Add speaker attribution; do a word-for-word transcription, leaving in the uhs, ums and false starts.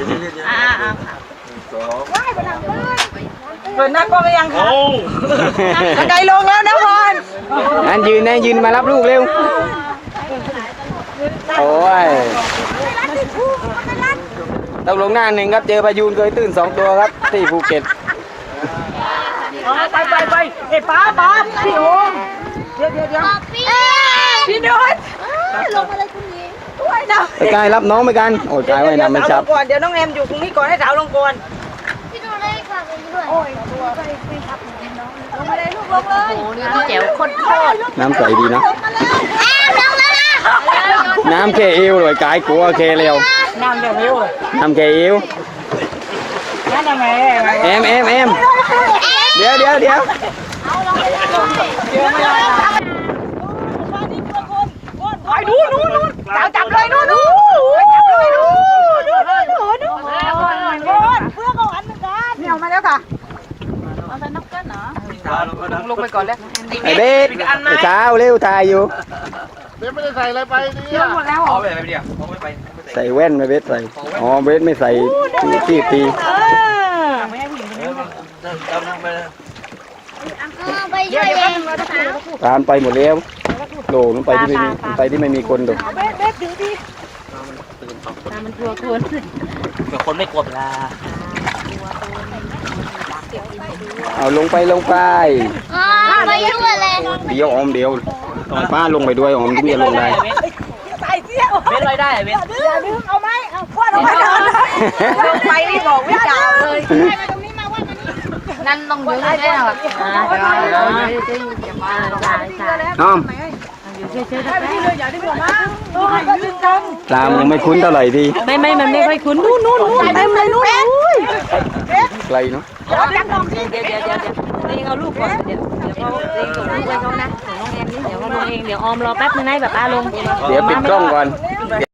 Speaker 1: อ่าอ่า
Speaker 2: สอง
Speaker 1: เปิดหน้ากล้องหรือยังคะกระไดลงแล้วนะพร
Speaker 3: นั่นยืนนะยืนมารับลูกเร็วโอ้ยตกลงหน้าหนึ่งครับเจอพายุเคยตื่นสองตัวครับที่ภูเก็ต
Speaker 1: ไปไปไปเอ้ป้าป้าพี่โอเดี๋ยวเดี๋ยวเดี๋ยวพี่นุชลงมาเลยคุณหญิงด้วยนะ
Speaker 3: ไอ้กายรับน้องไปกันโอ้ยกายไว้นะไม่ชับ
Speaker 1: ก่อนเดี๋ยวน้องแอมอยู่ตรงนี้ก่อนให้สาวลงก่อน
Speaker 4: พี่ดูเลยค่ะไปด้วย
Speaker 1: โอ้ยตัวไปไปครับลงมาเลยลูกลงเลยโอ้นี่พี่แจ๋วโคตรโคตร
Speaker 3: น้ำใสดีนะ
Speaker 4: แอบลงแล้วนะ
Speaker 3: น้ำแค่เอวเลยกายกลัวแค่เร็ว
Speaker 1: น้ำจะเร็ว
Speaker 3: น้ำแค่เอว
Speaker 1: นั่นทำไม
Speaker 3: เอ็มเอ็มเอ็มเดี๋ยวเดี๋ยวเดี๋ยว
Speaker 1: ไปดูนู่นนู่นสาวจับเลยนู่นนู่นจับเลยนู่นนู่นนู่นนู่นนู่นเพื่อนของอันเหมือนกันนี่เอามาแล้วค่ะเอาแต่นับกันเหรอลงไปก่อนแล้ว
Speaker 3: ไอ้เบสไอ้สาวเร็วถ่ายอยู่
Speaker 2: เดี๋ยวไม่ได้ใส่อะไรไปนี่
Speaker 1: เยอะหมดแล้ว
Speaker 2: เอาไปไปเดียวเอาไม่ไป
Speaker 3: ใส่แว่นไม่เบสใส่อ๋อเบสไม่ใส่ที่ตี
Speaker 1: เออไม่ให้ผู้หญิงคนนี้
Speaker 2: จำนั่งไปเลย
Speaker 4: ไปด้วยเอง
Speaker 3: ตามไปหมดแล้วโหลมันไปที่ไม่มีไปที่ไม่มีคนดู
Speaker 1: เบสเบสถึงที่
Speaker 2: มันกลัวคนเดี๋ยวคนไม่กลัวเวลา
Speaker 3: เอาลงไปลงไป
Speaker 4: ไปด้วยเลย
Speaker 3: เดี๋ยวออมเดี๋ยวป้าลงไปด้วยออมที่จะลงได้
Speaker 1: ใส่เสี้ยว
Speaker 2: เว้นไรได้เว้น
Speaker 1: อย่าดึงเอาไหมเอาคว้าเอาไหมลงไปนี่บอกไม่จ่าเลย
Speaker 4: นั่นต้องยืนแน่หรอ
Speaker 3: น้อม
Speaker 1: อย่าดึงออกมาอย่าดึงกัน
Speaker 3: ตามยังไม่คุ้นเท่าไหร่ที
Speaker 1: ไม่ไม่มันไม่ค่อยคุ้นนู่นนู่นนู่นเต็มเลยนู่น
Speaker 3: ไกลเนาะ
Speaker 1: เดี๋ยวเดี๋ยวเดี๋ยวเดี๋ยวเดี๋ยวเองเอาลูกก่อนเดี๋ยวเดี๋ยวเขาเองส่งลูกไปเขานะส่งน้องแอมนี่เดี๋ยวเขาลงเองเดี๋ยวออมรอแป๊บนึงให้แบบป้าลง
Speaker 3: เดี๋ยวปิดกล้องก่อน